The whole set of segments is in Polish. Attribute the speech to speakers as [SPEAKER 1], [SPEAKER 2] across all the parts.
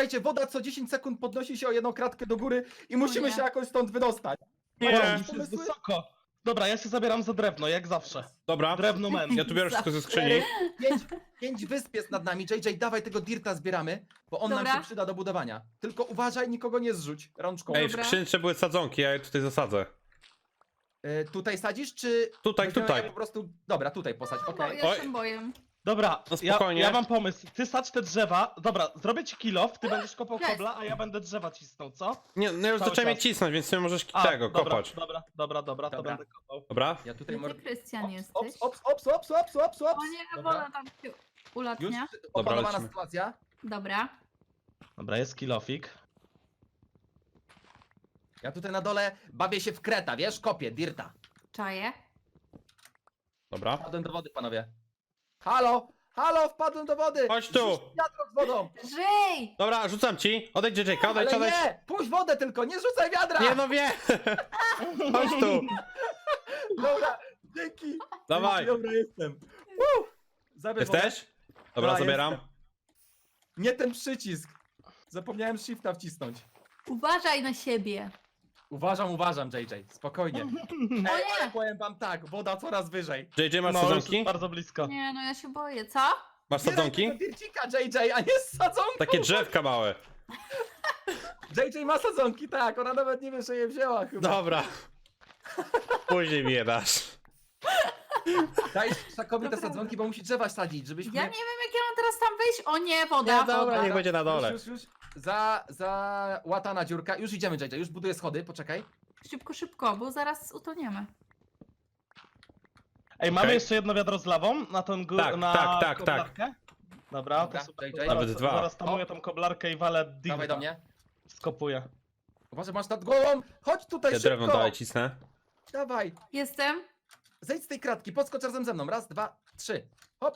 [SPEAKER 1] słuchajcie, woda co 10 sekund podnosi się o jedną kratkę do góry i musimy
[SPEAKER 2] nie.
[SPEAKER 1] się jakoś stąd wydostać.
[SPEAKER 3] Nie,
[SPEAKER 1] Macie
[SPEAKER 3] już
[SPEAKER 1] jakieś
[SPEAKER 3] jest
[SPEAKER 1] pomysły?
[SPEAKER 3] wysoko. Dobra, ja się zabieram za drewno, jak zawsze.
[SPEAKER 4] Dobra,
[SPEAKER 3] Drewno men.
[SPEAKER 4] ja tu biorę wszystko ze skrzyni.
[SPEAKER 1] 5 wysp jest nad nami. JJ, dawaj tego dirta zbieramy, bo on nam
[SPEAKER 2] Dobra.
[SPEAKER 1] się przyda do budowania. Tylko uważaj, nikogo nie zrzuć rączką.
[SPEAKER 4] Ej, w
[SPEAKER 2] Dobra.
[SPEAKER 4] skrzynce były sadzonki, ja je tutaj zasadzę.
[SPEAKER 1] Tutaj sadzisz, czy...
[SPEAKER 4] Tutaj,
[SPEAKER 1] weźmiemy
[SPEAKER 4] tutaj.
[SPEAKER 1] je Po prostu... Dobra, tutaj posadź,
[SPEAKER 2] Bo
[SPEAKER 1] okej.
[SPEAKER 2] ja
[SPEAKER 4] Oj.
[SPEAKER 2] się boję.
[SPEAKER 3] Dobra,
[SPEAKER 4] No spokojnie.
[SPEAKER 3] ja mam pomysł. Ty sadź te drzewa. Dobra, zrobię ci kilof, ty będziesz kopał
[SPEAKER 2] Jest.
[SPEAKER 3] kobla, a ja będę drzewa cisnął, co?
[SPEAKER 4] Nie, no już
[SPEAKER 3] Cały
[SPEAKER 4] zacząłem je
[SPEAKER 3] czas.
[SPEAKER 4] cisnąć, więc nie możesz
[SPEAKER 3] A,
[SPEAKER 4] tego
[SPEAKER 3] dobra,
[SPEAKER 4] kopać.
[SPEAKER 3] Dobra, to
[SPEAKER 1] Dobra.
[SPEAKER 3] będę kopał.
[SPEAKER 4] Dobra?
[SPEAKER 1] Ja tutaj...
[SPEAKER 2] Gdzie ty, Krystian,
[SPEAKER 1] Ops,
[SPEAKER 2] jesteś?
[SPEAKER 1] ops.
[SPEAKER 2] O nie,
[SPEAKER 1] Dobra.
[SPEAKER 2] woda tam się
[SPEAKER 1] Już
[SPEAKER 2] ulatnia.
[SPEAKER 1] opanowana
[SPEAKER 4] lecimy.
[SPEAKER 1] sytuacja.
[SPEAKER 2] Dobra.
[SPEAKER 3] Dobra, jest kilofik.
[SPEAKER 1] Ja tutaj na dole bawię się w kreta, wiesz? Kopię, dirta.
[SPEAKER 2] Czaję.
[SPEAKER 4] Dobra.
[SPEAKER 1] Wpadłem do wody, panowie. Halo, wpadłem do wody!
[SPEAKER 4] Chodź tu.
[SPEAKER 1] Rzuć wiadro z wodą!
[SPEAKER 2] Żyj!
[SPEAKER 4] Dobra, rzucam ci. Odejdź, JJ,
[SPEAKER 1] Ale
[SPEAKER 4] odejdź.
[SPEAKER 1] nie! Puść wodę tylko, nie rzucaj wiadra!
[SPEAKER 4] Nie no wie! Chodź tu.
[SPEAKER 1] Dobra, dzięki!
[SPEAKER 4] Dawaj.
[SPEAKER 1] Dzięki, dobra, jestem. Zabierz wodę.
[SPEAKER 4] Jesteś? Dobra,
[SPEAKER 1] Ja
[SPEAKER 4] zabieram.
[SPEAKER 1] jestem. Nie ten przycisk. Zapomniałem shifta wcisnąć.
[SPEAKER 2] Uważaj na siebie.
[SPEAKER 1] Uważam, JJ, spokojnie.
[SPEAKER 2] O
[SPEAKER 1] Ej, ale
[SPEAKER 2] nie!
[SPEAKER 1] powiem wam tak, woda coraz wyżej.
[SPEAKER 4] JJ, masz
[SPEAKER 3] No, już
[SPEAKER 4] sadzonki?
[SPEAKER 3] jest bardzo blisko.
[SPEAKER 2] Nie, no ja się boję. Co?
[SPEAKER 4] Masz
[SPEAKER 1] Zbieraj
[SPEAKER 4] sadzonki?
[SPEAKER 1] tego dircika, JJ, a nie z sadzonką!
[SPEAKER 4] Takie drzewka małe.
[SPEAKER 1] JJ ma sadzonki, tak, ona nawet nie wie, że je wzięła chyba.
[SPEAKER 4] Dobra. Później mi je dasz.
[SPEAKER 1] Daj Szakowi te
[SPEAKER 2] Dobra.
[SPEAKER 1] sadzonki, bo musi drzewa sadzić, żebyśmy...
[SPEAKER 2] Ja nie wiem, jak ja mam teraz tam wyjść. O nie, woda,
[SPEAKER 4] Nie, dobra,
[SPEAKER 2] woda.
[SPEAKER 4] niech będzie na dole.
[SPEAKER 1] Już. Łatana dziurka. Już idziemy, JJ, już buduję schody, poczekaj.
[SPEAKER 2] Szybko, bo zaraz utoniemy.
[SPEAKER 3] Ej, mamy
[SPEAKER 4] Okej.
[SPEAKER 3] jeszcze jedno wiadro z lawą na tą górę,
[SPEAKER 4] Tak,
[SPEAKER 3] na
[SPEAKER 4] tak.
[SPEAKER 3] koblarkę? Dobra,
[SPEAKER 1] Dobra,
[SPEAKER 3] to super.
[SPEAKER 1] JJ.
[SPEAKER 3] To
[SPEAKER 4] Nawet
[SPEAKER 3] zaraz,
[SPEAKER 4] dwa.
[SPEAKER 3] zaraz tamuję tą koblarkę i walę dirta.
[SPEAKER 1] Dawaj do mnie.
[SPEAKER 3] Skopuję.
[SPEAKER 1] Uważaj, masz nad głową. Chodź tutaj
[SPEAKER 4] Ja
[SPEAKER 1] szybko.
[SPEAKER 4] drewno dalej cisnę.
[SPEAKER 1] Dawaj.
[SPEAKER 2] Jestem.
[SPEAKER 1] Zejdź z tej kratki, podskocz razem ze mną. Raz, dwa, trzy. Hop.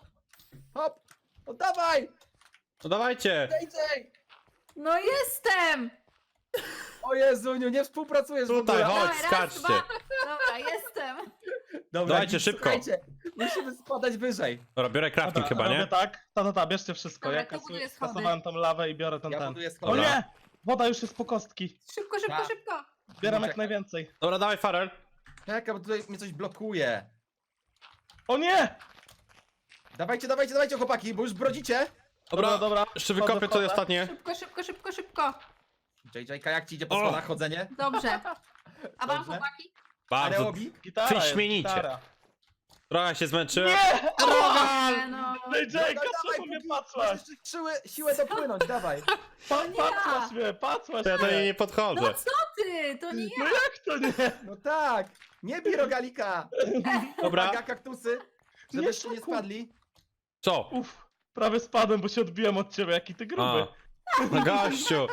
[SPEAKER 1] No dawaj.
[SPEAKER 4] No dawajcie.
[SPEAKER 1] JJ.
[SPEAKER 2] No jestem!
[SPEAKER 1] O Jezuniu, nie współpracujesz
[SPEAKER 4] Tutaj,
[SPEAKER 1] w ogóle.
[SPEAKER 4] chodź,
[SPEAKER 2] Dawaj, raz,
[SPEAKER 4] skaczcie.
[SPEAKER 2] dwa. Dobra, jestem.
[SPEAKER 1] Dobra,
[SPEAKER 4] Dawajcie,
[SPEAKER 1] git,
[SPEAKER 4] szybko.
[SPEAKER 1] Słuchajcie, musimy spadać wyżej.
[SPEAKER 4] Dobra, biorę crafting chyba,
[SPEAKER 3] robię
[SPEAKER 4] nie?
[SPEAKER 3] tak. Bierzcie wszystko.
[SPEAKER 2] Dobra,
[SPEAKER 3] Ja
[SPEAKER 2] to buduję schody.
[SPEAKER 3] kasowałem tą lawę i biorę ten.
[SPEAKER 1] Ja buduję
[SPEAKER 3] O
[SPEAKER 1] schody.
[SPEAKER 4] Dobra.
[SPEAKER 3] nie! Woda już jest po kostki.
[SPEAKER 2] Szybko.
[SPEAKER 1] Tak.
[SPEAKER 3] Zbieram jak
[SPEAKER 1] Czekaj.
[SPEAKER 3] najwięcej.
[SPEAKER 4] Dobra, dawaj Farel.
[SPEAKER 1] Czekaj, bo tutaj mnie coś blokuje.
[SPEAKER 3] O nie!
[SPEAKER 1] Dawajcie, chłopaki, bo już brodzicie.
[SPEAKER 3] Dobra.
[SPEAKER 4] Jeszcze wykopię to
[SPEAKER 3] Wchodzę.
[SPEAKER 4] ostatnie.
[SPEAKER 2] Szybko.
[SPEAKER 1] JJ, jak ci idzie po
[SPEAKER 4] O!
[SPEAKER 1] schodach chodzenie?
[SPEAKER 2] Dobrze. A wam
[SPEAKER 1] Dobrze.
[SPEAKER 2] chłopaki?
[SPEAKER 4] Bardzo.
[SPEAKER 1] Areobi?
[SPEAKER 3] Gitara jest,
[SPEAKER 4] Wyśmienicie.
[SPEAKER 3] gitara.
[SPEAKER 4] Trochę się zmęczyłem.
[SPEAKER 3] Nie!
[SPEAKER 2] Nie, no.
[SPEAKER 3] JJ,
[SPEAKER 1] Dawaj,
[SPEAKER 3] czemu mnie
[SPEAKER 1] póki
[SPEAKER 3] patrzyłaś?
[SPEAKER 1] masz jeszcze siłę dopłynąć, dawaj.
[SPEAKER 3] Patrzyłaś mnie, patrzyłaś
[SPEAKER 4] To ja do niej
[SPEAKER 3] mnie.
[SPEAKER 4] nie
[SPEAKER 2] No
[SPEAKER 4] podchodzę.
[SPEAKER 2] co ty? To nie
[SPEAKER 3] No
[SPEAKER 2] ja.
[SPEAKER 3] jak to nie?
[SPEAKER 1] No tak, nie bij rogalika.
[SPEAKER 4] Dobra.
[SPEAKER 1] Uwaga, kaktusy, żebyście nie
[SPEAKER 3] Szaku.
[SPEAKER 1] spadli.
[SPEAKER 4] Co?
[SPEAKER 3] Uff, prawie spadłem, bo się odbiłem od ciebie, jaki ty gruby.
[SPEAKER 4] No gościu.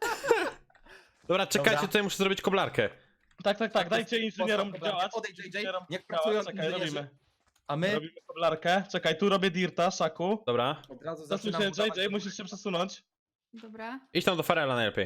[SPEAKER 4] Dobra, czekajcie,
[SPEAKER 1] Dobra.
[SPEAKER 4] tutaj muszę zrobić koblarkę.
[SPEAKER 3] Tak, dajcie inżynierom
[SPEAKER 1] Postaw
[SPEAKER 3] działać.
[SPEAKER 1] Odejdź, JJ,
[SPEAKER 3] Inżynierom
[SPEAKER 1] niech
[SPEAKER 3] działać.
[SPEAKER 1] pracują
[SPEAKER 3] Czekaj,
[SPEAKER 1] inżynierzy.
[SPEAKER 3] robimy.
[SPEAKER 1] A my
[SPEAKER 3] Robimy koblarkę. Czekaj, tu robię dirta, Szaku.
[SPEAKER 4] Dobra.
[SPEAKER 1] od razu
[SPEAKER 3] Zasuń
[SPEAKER 1] zaczynamy
[SPEAKER 3] się, JJ, musisz się przesunąć.
[SPEAKER 2] Dobra.
[SPEAKER 4] Idź tam do Farela najlepiej.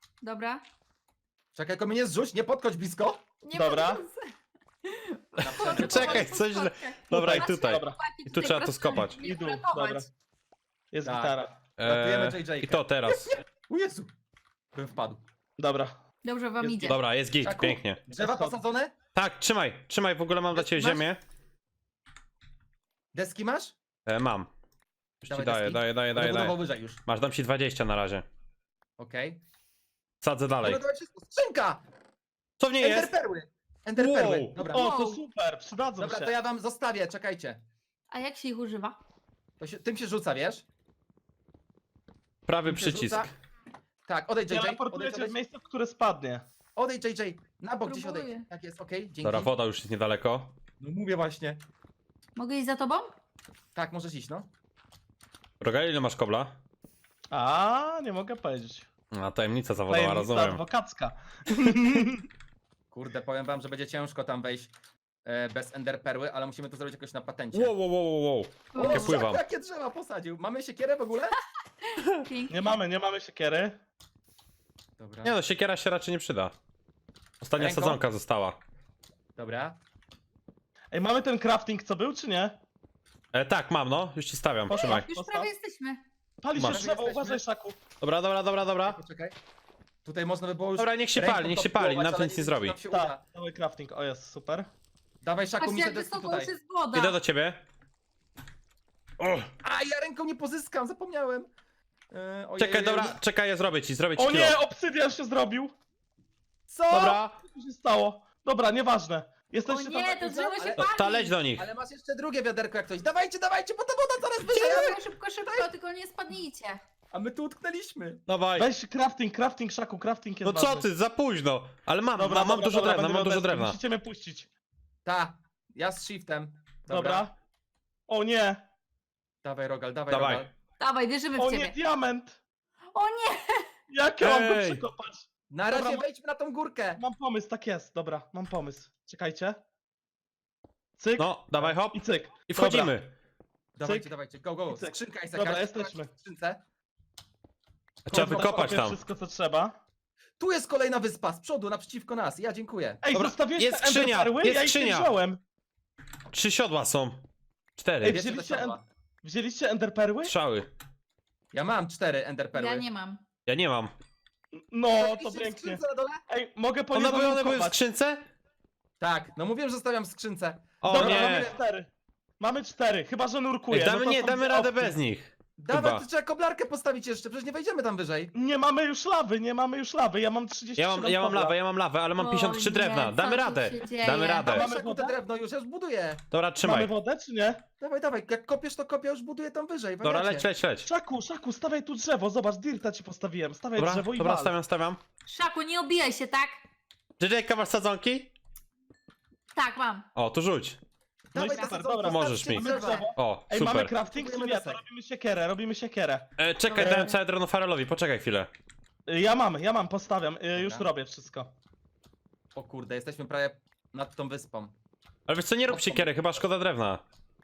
[SPEAKER 1] Czekaj, tylko mnie nie zrzuć, nie podchodź blisko.
[SPEAKER 2] Nie
[SPEAKER 3] Dobra.
[SPEAKER 2] podchodzę.
[SPEAKER 4] Czekaj, coś źle. Dobra, i tutaj.
[SPEAKER 3] Dobra.
[SPEAKER 4] I tu trzeba to skopać.
[SPEAKER 3] I dół, dobra. Jest
[SPEAKER 1] Tak.
[SPEAKER 3] gitara.
[SPEAKER 1] Ratujemy JJ.
[SPEAKER 4] I to teraz.
[SPEAKER 1] O Jezu, bym wpadł.
[SPEAKER 3] Dobra.
[SPEAKER 2] Dobrze wam
[SPEAKER 1] Jest
[SPEAKER 2] idzie.
[SPEAKER 4] Dobra, jest git,
[SPEAKER 1] Czaku,
[SPEAKER 4] pięknie.
[SPEAKER 1] Drzewa
[SPEAKER 3] Schody.
[SPEAKER 1] posadzone?
[SPEAKER 4] Tak, trzymaj, w ogóle mam dla ciebie
[SPEAKER 1] Masz?
[SPEAKER 4] ziemię.
[SPEAKER 1] Deski masz?
[SPEAKER 4] Mam. Już ci
[SPEAKER 1] Dawaj
[SPEAKER 4] daję,
[SPEAKER 1] deski.
[SPEAKER 4] daję.
[SPEAKER 1] Będę budował wyżej już.
[SPEAKER 4] Masz, dam ci 20 na razie.
[SPEAKER 1] Okej.
[SPEAKER 4] Sadzę dalej.
[SPEAKER 1] Dobra, dawaj wszystko. Skrzynka!
[SPEAKER 4] Co w niej jest?
[SPEAKER 1] Enderperły! Enderperły,
[SPEAKER 4] Wow.
[SPEAKER 1] dobra.
[SPEAKER 3] O, to super, przydadzą
[SPEAKER 1] Dobra,
[SPEAKER 3] się.
[SPEAKER 1] to ja wam zostawię, czekajcie.
[SPEAKER 2] A jak się ich używa?
[SPEAKER 1] Tym się rzuca, wiesz?
[SPEAKER 4] Prawy
[SPEAKER 1] Tym się
[SPEAKER 4] przycisk.
[SPEAKER 1] rzuca. Tak, odejdź JJ,
[SPEAKER 3] Teleportuję cię w
[SPEAKER 1] odejdź,
[SPEAKER 3] miejsce, w które spadnie.
[SPEAKER 1] odejdź JJ, na bok gdzieś
[SPEAKER 2] Próbuję.
[SPEAKER 1] odejdź. Tak jest, okej, dzięki.
[SPEAKER 4] Dobra, woda już jest niedaleko.
[SPEAKER 1] No mówię właśnie.
[SPEAKER 2] Mogę iść za tobą?
[SPEAKER 1] Tak, możesz iść, no.
[SPEAKER 4] Rogal, ile masz kobla?
[SPEAKER 3] A, nie mogę powiedzieć.
[SPEAKER 4] A, tajemnica zawodowa,
[SPEAKER 3] Tajemnica
[SPEAKER 4] rozumiem.
[SPEAKER 3] adwokacka.
[SPEAKER 1] Kurde, powiem wam, że będzie ciężko tam wejść bez enderperły, ale musimy to zrobić jakoś na patencie.
[SPEAKER 4] Wow. Jakie
[SPEAKER 1] O,
[SPEAKER 4] pływam.
[SPEAKER 1] jakie drzewa posadził. Mamy siekierę w ogóle?
[SPEAKER 2] Pięknie.
[SPEAKER 3] Nie mamy siekiery.
[SPEAKER 1] Dobra.
[SPEAKER 4] Nie no, siekiera się raczej nie przyda. Ostatnia
[SPEAKER 1] Ręką?
[SPEAKER 4] sadzonka została.
[SPEAKER 1] Dobra.
[SPEAKER 3] Ej, mamy ten crafting, co był, czy nie?
[SPEAKER 4] Tak, mam no, już ci stawiam,
[SPEAKER 3] Poszła.
[SPEAKER 4] trzymaj.
[SPEAKER 2] Już
[SPEAKER 3] Postaw.
[SPEAKER 2] prawie jesteśmy.
[SPEAKER 3] Pali się
[SPEAKER 4] Masz.
[SPEAKER 3] drzewo,
[SPEAKER 1] Jesteśmy.
[SPEAKER 3] uważaj, Szaku.
[SPEAKER 4] Dobra.
[SPEAKER 1] Poczekaj. Tutaj można by było już...
[SPEAKER 4] Dobra, niech się
[SPEAKER 1] ręką
[SPEAKER 4] pali, niech
[SPEAKER 1] to
[SPEAKER 4] się pali,
[SPEAKER 1] próbować,
[SPEAKER 4] nam to
[SPEAKER 1] ale
[SPEAKER 4] nic nie
[SPEAKER 1] wiem,
[SPEAKER 4] zrobi.
[SPEAKER 1] czy nam się
[SPEAKER 3] Tak,
[SPEAKER 1] uda.
[SPEAKER 3] cały crafting, o jest, super.
[SPEAKER 1] Dawaj, Szaku,
[SPEAKER 2] Patrzcie,
[SPEAKER 1] mi się
[SPEAKER 2] jak
[SPEAKER 1] deski
[SPEAKER 2] wysoko
[SPEAKER 1] tutaj.
[SPEAKER 2] już jest woda.
[SPEAKER 4] Idę do ciebie. O,
[SPEAKER 1] A, ja ręką nie pozyskam, zapomniałem. Ojej,
[SPEAKER 4] czekaj, dobra, czekaj, ja zrobię ci
[SPEAKER 3] O
[SPEAKER 4] kilo.
[SPEAKER 3] nie, obsydian się zrobił!
[SPEAKER 1] Co?
[SPEAKER 4] Dobra,
[SPEAKER 3] Co się stało? Dobra, nieważne.
[SPEAKER 2] O
[SPEAKER 3] nie
[SPEAKER 2] nie, to drzewo się
[SPEAKER 1] ale-
[SPEAKER 2] pali.
[SPEAKER 4] ta leć do nich.
[SPEAKER 1] Ale masz jeszcze drugie wiaderko jak coś. Dawajcie, bo ta woda coraz wyżej,
[SPEAKER 2] Szybko, tylko nie spadnijcie.
[SPEAKER 1] a my tu utknęliśmy.
[SPEAKER 4] Dawaj.
[SPEAKER 3] Weź crafting, Szaku, crafting jest
[SPEAKER 4] No co
[SPEAKER 3] ważny.
[SPEAKER 4] ty, za późno. Ale mam
[SPEAKER 3] Dobra,
[SPEAKER 4] dużo
[SPEAKER 3] dobra,
[SPEAKER 4] drewna,
[SPEAKER 3] będę
[SPEAKER 4] mam dużo
[SPEAKER 3] miał
[SPEAKER 4] drewna.
[SPEAKER 3] Musicie mnie puścić.
[SPEAKER 1] Ta, ja z shiftem.
[SPEAKER 3] Dobra. O nie,
[SPEAKER 1] Dawaj, Rogal, dawaj,
[SPEAKER 4] Dawaj.
[SPEAKER 1] Rogal.
[SPEAKER 2] Dawaj, wierzymy
[SPEAKER 3] o
[SPEAKER 2] w
[SPEAKER 3] nie,
[SPEAKER 2] ciebie.
[SPEAKER 3] diament!
[SPEAKER 2] O nie!
[SPEAKER 3] Jak ja mam go
[SPEAKER 4] Ej.
[SPEAKER 3] przekopać?
[SPEAKER 1] Na razie
[SPEAKER 3] Dobra,
[SPEAKER 1] wejdźmy na tą górkę.
[SPEAKER 3] Mam pomysł, tak jest, dobra, mam pomysł. Czekajcie. Cyk
[SPEAKER 4] No, dawaj, hop.
[SPEAKER 3] i cyk.
[SPEAKER 4] I
[SPEAKER 3] Dobra.
[SPEAKER 4] wchodzimy.
[SPEAKER 1] Dawajcie, dawajcie, go.
[SPEAKER 3] Cyk.
[SPEAKER 1] Skrzynka jest
[SPEAKER 3] Dobra,
[SPEAKER 1] jakaś.
[SPEAKER 3] jesteśmy.
[SPEAKER 1] W skrzynce.
[SPEAKER 4] Trzeba
[SPEAKER 3] Dobra,
[SPEAKER 4] wykopać
[SPEAKER 3] kopię
[SPEAKER 4] tam.
[SPEAKER 3] wszystko, co trzeba.
[SPEAKER 1] Tu jest kolejna wyspa, z przodu, naprzeciwko nas. Ja dziękuję.
[SPEAKER 3] Ej,
[SPEAKER 4] Dobra,
[SPEAKER 3] zostawiłeś
[SPEAKER 4] jest
[SPEAKER 3] te
[SPEAKER 4] skrzynia,
[SPEAKER 3] enderperły?
[SPEAKER 4] jest
[SPEAKER 3] Ja ich nie
[SPEAKER 4] skrzynia.
[SPEAKER 3] wziąłem.
[SPEAKER 4] 3 siodła są. 4.
[SPEAKER 3] Ej,
[SPEAKER 1] Bierzcie
[SPEAKER 3] wzięliście
[SPEAKER 1] te siodła.
[SPEAKER 3] Wzięliście enderperły?
[SPEAKER 4] Strzały.
[SPEAKER 1] Ja mam 4 enderperły.
[SPEAKER 2] Ja nie mam.
[SPEAKER 4] Ja nie mam.
[SPEAKER 3] No, to
[SPEAKER 1] Zostawiliście w
[SPEAKER 3] pięknie.
[SPEAKER 1] skrzynce na dole?
[SPEAKER 3] Ej, mogę po
[SPEAKER 4] One były w
[SPEAKER 3] kopać.
[SPEAKER 4] skrzynce?
[SPEAKER 1] Tak, no mówiłem, że zostawiam w skrzynce.
[SPEAKER 4] O
[SPEAKER 3] Dobra,
[SPEAKER 4] nie.
[SPEAKER 3] mamy 4. Mamy 4, chyba że nurkuję.
[SPEAKER 4] Ej,
[SPEAKER 3] no
[SPEAKER 4] damy,
[SPEAKER 3] to
[SPEAKER 4] nie,
[SPEAKER 3] są
[SPEAKER 4] damy
[SPEAKER 3] dwie
[SPEAKER 4] radę
[SPEAKER 3] opcje.
[SPEAKER 4] bez nich.
[SPEAKER 1] Dawaj,
[SPEAKER 4] Chyba.
[SPEAKER 1] to trzeba koblarkę postawić jeszcze, przecież nie wejdziemy tam wyżej.
[SPEAKER 3] Nie mamy już lawy, nie mamy już lawy. Ja mam 30
[SPEAKER 4] Ja mam lawę, ale mam
[SPEAKER 2] O
[SPEAKER 4] 53
[SPEAKER 2] nie,
[SPEAKER 4] drewna.
[SPEAKER 2] co
[SPEAKER 4] Damy
[SPEAKER 2] tu
[SPEAKER 4] radę.
[SPEAKER 2] się dzieje?
[SPEAKER 4] Damy radę.
[SPEAKER 1] Dawaj,
[SPEAKER 3] Mamy
[SPEAKER 1] Szaku,
[SPEAKER 3] wodę?
[SPEAKER 1] te drewno już, ja już buduję.
[SPEAKER 4] Dobra,
[SPEAKER 3] Mamy
[SPEAKER 4] trzymaj.
[SPEAKER 3] wodę, czy nie?
[SPEAKER 1] Dawaj, jak kopiesz, to kopię, już buduję tam wyżej.
[SPEAKER 4] Dobra,
[SPEAKER 1] wariacie.
[SPEAKER 4] leć.
[SPEAKER 3] Szaku, stawiaj tu drzewo. Zobacz, dirta ci postawiłem. Stawiaj
[SPEAKER 4] Dobra,
[SPEAKER 3] drzewo i
[SPEAKER 4] dobra,
[SPEAKER 3] wal.
[SPEAKER 4] stawiam.
[SPEAKER 2] Szaku, nie obijaj się, tak?
[SPEAKER 4] JJ, masz sadzonki?
[SPEAKER 2] Tak, mam.
[SPEAKER 4] O, tu rzuć.
[SPEAKER 3] No i
[SPEAKER 1] Dawaj,
[SPEAKER 3] super,
[SPEAKER 1] te
[SPEAKER 3] dobra.
[SPEAKER 4] Możesz
[SPEAKER 1] starczy
[SPEAKER 4] mi.
[SPEAKER 1] drzewa.
[SPEAKER 3] Drzewo.
[SPEAKER 4] O,
[SPEAKER 3] Ej, mamy
[SPEAKER 4] super.
[SPEAKER 3] crafting, czy
[SPEAKER 1] Kupujemy
[SPEAKER 3] nie? To
[SPEAKER 1] desek.
[SPEAKER 3] robimy siekierę.
[SPEAKER 4] Czekaj,
[SPEAKER 3] Dobra.
[SPEAKER 4] dałem całe drewno Farelowi, poczekaj chwilę.
[SPEAKER 3] Ja mam, postawiam. Już
[SPEAKER 1] Dobra.
[SPEAKER 3] robię wszystko.
[SPEAKER 1] O kurde, jesteśmy prawie nad tą wyspą.
[SPEAKER 4] Ale wiesz co, nie rób siekiery, chyba szkoda drewna.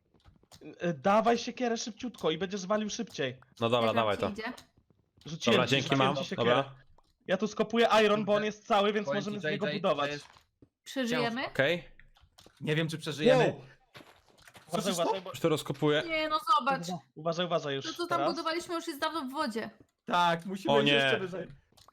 [SPEAKER 3] Dawaj siekierę szybciutko i będziesz walił szybciej.
[SPEAKER 4] No dobra,
[SPEAKER 2] Jak
[SPEAKER 4] dawaj
[SPEAKER 2] nam
[SPEAKER 4] to.
[SPEAKER 2] przyjdzie?
[SPEAKER 3] Rzuciłem
[SPEAKER 4] Dobra,
[SPEAKER 3] ci,
[SPEAKER 4] dzięki
[SPEAKER 3] rzuciłem
[SPEAKER 4] mam.
[SPEAKER 3] ci siekierę.
[SPEAKER 4] Dobra.
[SPEAKER 3] Ja tu skopuję iron, bo on jest cały, więc
[SPEAKER 1] Powiem
[SPEAKER 3] możemy
[SPEAKER 1] ci,
[SPEAKER 3] z niego
[SPEAKER 1] JJ,
[SPEAKER 3] budować.
[SPEAKER 1] to jest-
[SPEAKER 2] Przeżyjemy?
[SPEAKER 4] Okej.
[SPEAKER 1] Nie wiem, czy przeżyjemy.
[SPEAKER 4] Wow.
[SPEAKER 3] Uważaj, uważaj, bo...
[SPEAKER 4] Już to rozkopuję.
[SPEAKER 2] Nie, no zobacz.
[SPEAKER 3] Uważaj już.
[SPEAKER 2] To co tam
[SPEAKER 3] teraz.
[SPEAKER 2] budowaliśmy już jest dawno w wodzie.
[SPEAKER 1] Tak, musimy
[SPEAKER 4] O
[SPEAKER 1] iść
[SPEAKER 4] nie.
[SPEAKER 1] jeszcze wyżej.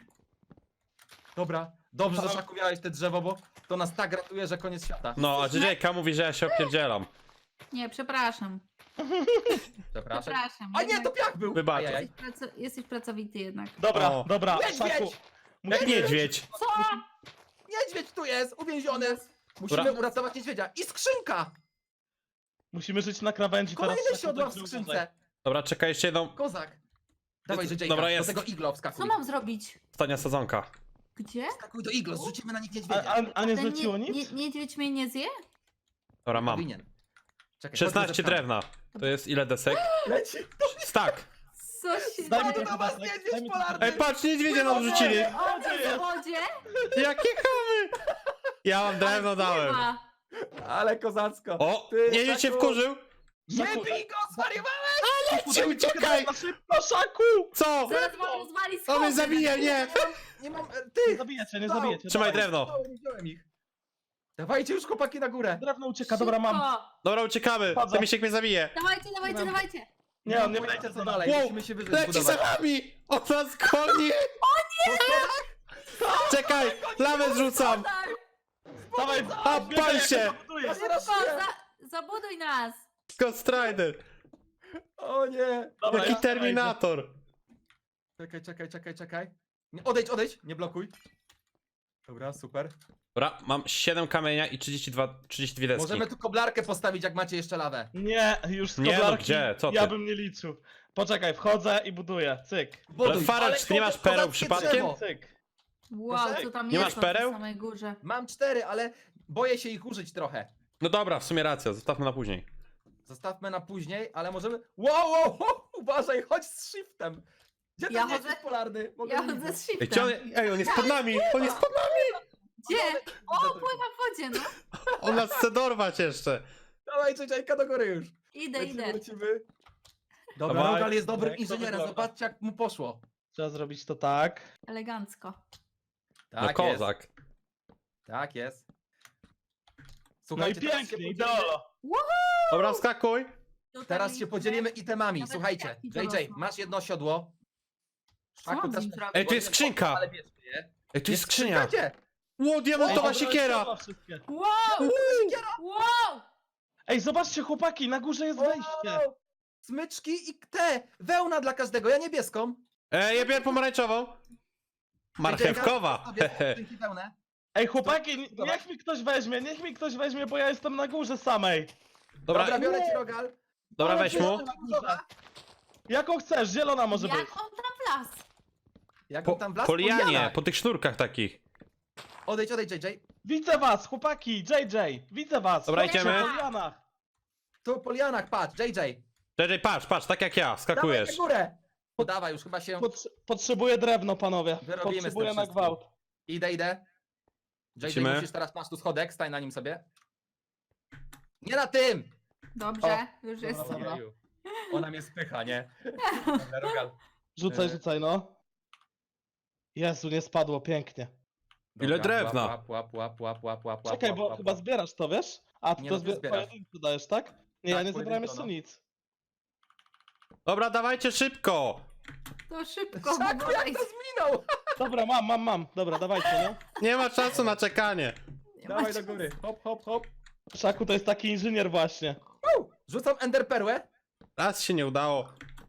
[SPEAKER 1] Dobra, dobrze, że Szaku miałeś te drzewo, bo to nas tak ratuje, że koniec świata.
[SPEAKER 4] No, a JJ mówi, że ja się opierdzielam.
[SPEAKER 2] Nie, przepraszam.
[SPEAKER 1] Przepraszam.
[SPEAKER 2] Przepraszam.
[SPEAKER 1] A nie, to piach był!
[SPEAKER 4] Wybacz.
[SPEAKER 1] Ajajaj.
[SPEAKER 2] Jesteś pracowity jednak.
[SPEAKER 3] Dobra,
[SPEAKER 4] O.
[SPEAKER 3] dobra,
[SPEAKER 1] Niedźwiedź!
[SPEAKER 3] Szaku.
[SPEAKER 4] Jak niedźwiedź.
[SPEAKER 2] Co?
[SPEAKER 1] Niedźwiedź tu jest, uwięziony! Musimy
[SPEAKER 4] Dobra.
[SPEAKER 1] uratować niedźwiedzia. I skrzynka!
[SPEAKER 3] Musimy żyć na krawędzi teraz.
[SPEAKER 1] Kolejne
[SPEAKER 3] Szaku,
[SPEAKER 1] siodła w
[SPEAKER 3] także
[SPEAKER 1] skrzynce.
[SPEAKER 3] uważaj.
[SPEAKER 4] Dobra, czekaj, jeszcze jedną.
[SPEAKER 1] Kozak. Dawaj, JJ,
[SPEAKER 4] Dobra,
[SPEAKER 1] do
[SPEAKER 4] jest.
[SPEAKER 1] tego iglo
[SPEAKER 2] Co
[SPEAKER 1] wskakuj.
[SPEAKER 2] mam zrobić?
[SPEAKER 4] Ostatnia sadzonka.
[SPEAKER 2] Gdzie?
[SPEAKER 1] Wskakuj do iglo, zrzucimy na nich
[SPEAKER 3] A,
[SPEAKER 1] niedźwiedzia.
[SPEAKER 3] a nie
[SPEAKER 2] Ten
[SPEAKER 3] zleciło nic?
[SPEAKER 2] niedźwiedź mnie nie zje?
[SPEAKER 4] Dobra, mam.
[SPEAKER 1] Powinien. Czekaj,
[SPEAKER 4] 16
[SPEAKER 1] chodźmy
[SPEAKER 4] drewna. To jest ile desek?
[SPEAKER 1] Leci!
[SPEAKER 4] Stack.
[SPEAKER 2] Co się
[SPEAKER 3] Daj mi
[SPEAKER 2] dzieje?
[SPEAKER 3] trochę
[SPEAKER 1] do was
[SPEAKER 3] desek,
[SPEAKER 1] niedźwiedź
[SPEAKER 3] daj mi
[SPEAKER 1] polarny!
[SPEAKER 3] trochę
[SPEAKER 4] Ej, patrz, niedźwiedzia nam rzucili.
[SPEAKER 2] O, w wodzie?
[SPEAKER 4] Jakie chamy. Ja mam drewno dałem.
[SPEAKER 2] Chyba.
[SPEAKER 1] Ale kozacko.
[SPEAKER 4] O,
[SPEAKER 1] Ty,
[SPEAKER 4] niedźwiedź się
[SPEAKER 1] Szaku.
[SPEAKER 4] wkurzył.
[SPEAKER 1] Nie
[SPEAKER 3] Szaku,
[SPEAKER 1] bij go, zwariowałeś!
[SPEAKER 4] Cię uciekaj.
[SPEAKER 3] Na szybko, Szaku!
[SPEAKER 4] Co?
[SPEAKER 2] Zaraz wam rozwali
[SPEAKER 4] On
[SPEAKER 2] schody.
[SPEAKER 4] mnie zabije, nie.
[SPEAKER 1] Nie mam...
[SPEAKER 3] Nie
[SPEAKER 1] Ty!
[SPEAKER 3] zabijecie, nie
[SPEAKER 1] Stał.
[SPEAKER 3] zabijecie.
[SPEAKER 4] Trzymaj
[SPEAKER 3] dawaj.
[SPEAKER 4] drewno.
[SPEAKER 1] Nie wziąłem ich. Dawajcie już chłopaki na górę.
[SPEAKER 3] Drewno ucieka, dobra, mam.
[SPEAKER 2] Szybko.
[SPEAKER 4] Dobra, uciekamy.
[SPEAKER 3] Wchodzę.
[SPEAKER 4] Ten misiek mnie zabije.
[SPEAKER 2] Dawajcie, dawajcie.
[SPEAKER 3] Nie, on nie
[SPEAKER 1] Pojęcia,
[SPEAKER 3] będzie
[SPEAKER 1] co dalej,
[SPEAKER 4] Wow,
[SPEAKER 1] musimy się wyżej
[SPEAKER 4] leci za
[SPEAKER 1] zbudować.
[SPEAKER 4] nami. On nas goni. Czekaj, lawę zrzucam.
[SPEAKER 2] Tak,
[SPEAKER 3] Dawaj,
[SPEAKER 4] A,
[SPEAKER 3] biegaj,
[SPEAKER 4] pal
[SPEAKER 3] jak
[SPEAKER 4] się.
[SPEAKER 3] to budujesz.
[SPEAKER 2] szybko, zabuduj nas.
[SPEAKER 4] Ghost Rider.
[SPEAKER 1] O nie.
[SPEAKER 3] Dobra,
[SPEAKER 4] Jaki
[SPEAKER 3] ja
[SPEAKER 4] Terminator.
[SPEAKER 1] Czekaj. Nie, odejdź, nie blokuj. Dobra, super.
[SPEAKER 4] Dobra, mam 7 kamienia i 32 deski.
[SPEAKER 1] Możemy tu koblarkę postawić, jak macie jeszcze lawę.
[SPEAKER 3] Nie, już z
[SPEAKER 4] Nie, no
[SPEAKER 3] koblarki
[SPEAKER 4] gdzie? Co ty?
[SPEAKER 3] ja bym nie liczył. Poczekaj, wchodzę i buduję. Cyk.
[SPEAKER 1] Buduj,
[SPEAKER 4] Farel,
[SPEAKER 1] ale
[SPEAKER 4] czy ty nie masz
[SPEAKER 1] kozackie
[SPEAKER 4] pereł przypadkiem?
[SPEAKER 1] drzewo.
[SPEAKER 3] Cyk.
[SPEAKER 2] Wow,
[SPEAKER 1] Proszę?
[SPEAKER 2] co tam
[SPEAKER 4] Nie
[SPEAKER 2] jest
[SPEAKER 4] masz
[SPEAKER 2] na tej
[SPEAKER 4] pereł?
[SPEAKER 2] samej górze.
[SPEAKER 1] Mam 4, ale boję się ich użyć trochę.
[SPEAKER 4] No dobra, w sumie racja, zostawmy na później.
[SPEAKER 1] Zostawmy na później, ale możemy... Wow, uważaj, chodź z shiftem. Gdzie ten
[SPEAKER 2] Ja
[SPEAKER 1] niedźwiedź
[SPEAKER 2] chodzę-
[SPEAKER 1] polarny? Mogę
[SPEAKER 2] Ja
[SPEAKER 1] nie
[SPEAKER 2] chodzę
[SPEAKER 1] widzieć.
[SPEAKER 2] z
[SPEAKER 4] Ej,
[SPEAKER 2] shiftem.
[SPEAKER 4] gdzie on, ej, on jest pod nami! On jest pod nami!
[SPEAKER 2] Gdzie? O,
[SPEAKER 1] Widzę tylko.
[SPEAKER 2] pływa w wodzie, no.
[SPEAKER 4] On nas chce dorwać jeszcze.
[SPEAKER 1] Dawaj, czekajka do góry już.
[SPEAKER 2] Idę.
[SPEAKER 1] Lecimy. Dobra,
[SPEAKER 4] Dawaj.
[SPEAKER 1] Rogal jest dobrym
[SPEAKER 3] Jak to
[SPEAKER 1] inżynierem,
[SPEAKER 3] wygląda?
[SPEAKER 1] zobaczcie jak mu poszło.
[SPEAKER 3] Trzeba zrobić to tak.
[SPEAKER 2] Elegancko.
[SPEAKER 4] No
[SPEAKER 1] Tak jest,
[SPEAKER 4] kozak.
[SPEAKER 1] tak jest.
[SPEAKER 3] No i
[SPEAKER 1] Słuchajcie, teraz się
[SPEAKER 3] pięknie,
[SPEAKER 1] podzielimy-
[SPEAKER 3] ideolo.
[SPEAKER 4] Dobra, wskakuj.
[SPEAKER 1] Teraz się podzielimy itemami.
[SPEAKER 2] Nawet
[SPEAKER 1] Słuchajcie,
[SPEAKER 2] jaki
[SPEAKER 1] JJ,
[SPEAKER 2] dorosły.
[SPEAKER 1] masz jedno siodło.
[SPEAKER 2] Co on z
[SPEAKER 1] też
[SPEAKER 2] nim
[SPEAKER 1] masz
[SPEAKER 2] zrobi?
[SPEAKER 4] Ej, tu jest
[SPEAKER 1] jedno,
[SPEAKER 4] skrzynka.
[SPEAKER 1] ale bierzmy je.
[SPEAKER 4] Ej, tu jest skrzynia.
[SPEAKER 1] Gdzie?
[SPEAKER 4] Ło, diamentowa
[SPEAKER 3] Ej,
[SPEAKER 4] siekiera.
[SPEAKER 3] dobra, wszystkie.
[SPEAKER 2] Wow! Wow!
[SPEAKER 3] Ej, zobaczcie chłopaki, na górze jest wejście.
[SPEAKER 1] Wow! Smyczki i te, wełna dla każdego, ja niebieską.
[SPEAKER 4] Ja biorę pomarańczową. Marchewkowa.
[SPEAKER 1] Sobie skrzynki wełnę.
[SPEAKER 3] Ej, chłopaki, niech mi ktoś weźmie, bo ja jestem na górze samej.
[SPEAKER 4] Dobra,
[SPEAKER 1] Dobra, biorę ci rogal.
[SPEAKER 4] dobra, weź mu.
[SPEAKER 3] Jaką chcesz, zielona może być.
[SPEAKER 2] Jak on tam wlazł?
[SPEAKER 1] Jak
[SPEAKER 4] Po,
[SPEAKER 1] tam blask?
[SPEAKER 4] po lianie,
[SPEAKER 1] Poliana.
[SPEAKER 4] po tych sznurkach takich.
[SPEAKER 1] Odejdź, JJ.
[SPEAKER 3] Widzę was, chłopaki, JJ, widzę was.
[SPEAKER 4] Dobra,
[SPEAKER 3] Chodźcie
[SPEAKER 4] idziemy.
[SPEAKER 3] po lianach.
[SPEAKER 1] Tu po lianach, patrz, JJ.
[SPEAKER 4] JJ, patrz, tak jak ja,
[SPEAKER 1] Dawaj
[SPEAKER 4] skakujesz.
[SPEAKER 1] na górę. Dawaj, już chyba się...
[SPEAKER 3] Potrzebuję drewno, panowie.
[SPEAKER 1] Wyrobimy z tym
[SPEAKER 3] Potrzebuję na
[SPEAKER 1] wszystkim.
[SPEAKER 3] gwałt.
[SPEAKER 1] Idę. JJ,
[SPEAKER 4] Lecimy.
[SPEAKER 1] musisz teraz, masz tu schodek, stań na nim sobie. Nie na tym!
[SPEAKER 2] Dobrze, już jest.
[SPEAKER 3] Dobra.
[SPEAKER 1] Ojeju. Ona mnie spycha, nie? Dobra, rogal.
[SPEAKER 3] Rzucaj, no. Jezu, nie spadło, pięknie.
[SPEAKER 4] Ile
[SPEAKER 1] Dobra,
[SPEAKER 4] drewna?
[SPEAKER 1] Łap.
[SPEAKER 3] Czekaj, bo chyba zbierasz to, wiesz? A, ty
[SPEAKER 1] Nie,
[SPEAKER 3] to
[SPEAKER 1] no ty zbierasz.
[SPEAKER 3] pojedynczy dajesz, tak? Nie, ja
[SPEAKER 1] Tak,
[SPEAKER 3] nie zebrałem
[SPEAKER 1] pojedynczo,
[SPEAKER 3] jeszcze
[SPEAKER 1] no.
[SPEAKER 3] nic.
[SPEAKER 4] Dobra, dawajcie szybko.
[SPEAKER 2] To szybko,
[SPEAKER 1] Szaku,
[SPEAKER 2] bo
[SPEAKER 1] jak to zminął!
[SPEAKER 3] Dobra, mam. Dobra, dawajcie, no.
[SPEAKER 4] Nie ma czasu na czekanie.
[SPEAKER 2] nie ma
[SPEAKER 1] Dawaj do
[SPEAKER 2] czasu.
[SPEAKER 1] góry, hop.
[SPEAKER 3] Szaku to jest taki inżynier właśnie.
[SPEAKER 1] Rzucam enderperłę.
[SPEAKER 4] Raz się nie udało.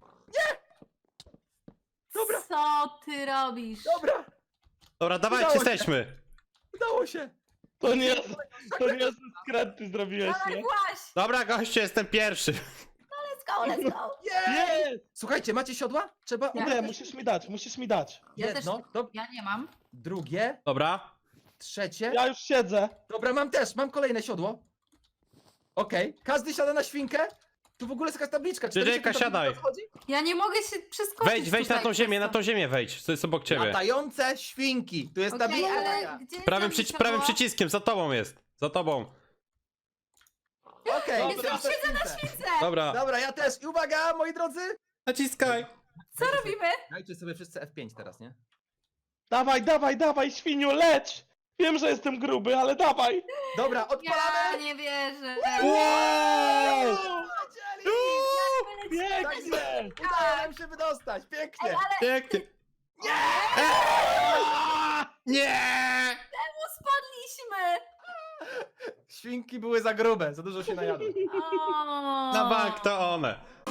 [SPEAKER 1] Dobra.
[SPEAKER 2] Co ty robisz?
[SPEAKER 1] Dobra,
[SPEAKER 4] Dobra, dawajcie,
[SPEAKER 1] Udało się.
[SPEAKER 4] jesteśmy.
[SPEAKER 1] udało się.
[SPEAKER 3] To nie jest skręty zrobiłeś,
[SPEAKER 2] Dawaj,
[SPEAKER 3] nie?
[SPEAKER 2] właśnie!
[SPEAKER 4] Dobra, goście, jestem pierwszy.
[SPEAKER 2] Let's go!
[SPEAKER 1] Jej!
[SPEAKER 3] Jest!
[SPEAKER 1] Słuchajcie, macie siodła? Trzeba
[SPEAKER 2] Ja-
[SPEAKER 3] Nie, musisz mi dać.
[SPEAKER 2] Ja też
[SPEAKER 1] jedno,
[SPEAKER 2] Ja nie mam.
[SPEAKER 1] drugie,
[SPEAKER 4] Dobra.
[SPEAKER 1] trzecie.
[SPEAKER 3] Ja już siedzę.
[SPEAKER 1] Dobra, mam kolejne siodło. Okej, każdy siada na świnkę. Tu w ogóle jest jakaś tabliczka.
[SPEAKER 4] JJ-ka,
[SPEAKER 1] 45
[SPEAKER 4] siadaj.
[SPEAKER 1] wchodzi?
[SPEAKER 2] Ja nie mogę się przeskoczyć
[SPEAKER 4] Wejdź na
[SPEAKER 2] tutaj
[SPEAKER 4] tą ziemię,
[SPEAKER 2] przez
[SPEAKER 4] na
[SPEAKER 2] to.
[SPEAKER 4] tą ziemię wejdź. To jest obok ciebie.
[SPEAKER 1] Latające świnki. Tu jest
[SPEAKER 2] Okej,
[SPEAKER 1] tabliczka.
[SPEAKER 2] ale gdzie jest
[SPEAKER 4] Prawym,
[SPEAKER 2] tam
[SPEAKER 4] prawym
[SPEAKER 2] siodło?
[SPEAKER 4] przyciskiem, za tobą jest. Za tobą.
[SPEAKER 1] Okej,
[SPEAKER 3] Dobra.
[SPEAKER 1] to ja
[SPEAKER 2] Siedzę na
[SPEAKER 1] śwince.
[SPEAKER 2] śwince!
[SPEAKER 4] Dobra.
[SPEAKER 1] Dobra, ja też. I uwaga, moi drodzy.
[SPEAKER 4] Naciskaj.
[SPEAKER 2] Co robimy?
[SPEAKER 1] Dajcie sobie wszyscy F5 teraz, nie?
[SPEAKER 3] Dawaj, świniu, leć! Wiem, że jestem gruby, ale dawaj!
[SPEAKER 1] Dobra,
[SPEAKER 2] Ja
[SPEAKER 1] odpalamy.
[SPEAKER 2] nie wierzę.
[SPEAKER 4] Wow!
[SPEAKER 1] Polecieli.
[SPEAKER 3] Pięknie!
[SPEAKER 1] Udało nam się wydostać. Pięknie.
[SPEAKER 4] Pięknie. Nie!
[SPEAKER 2] Spadliśmy!
[SPEAKER 1] Świnki były za grube, za dużo się najadły.
[SPEAKER 2] O.
[SPEAKER 4] Na bank to one.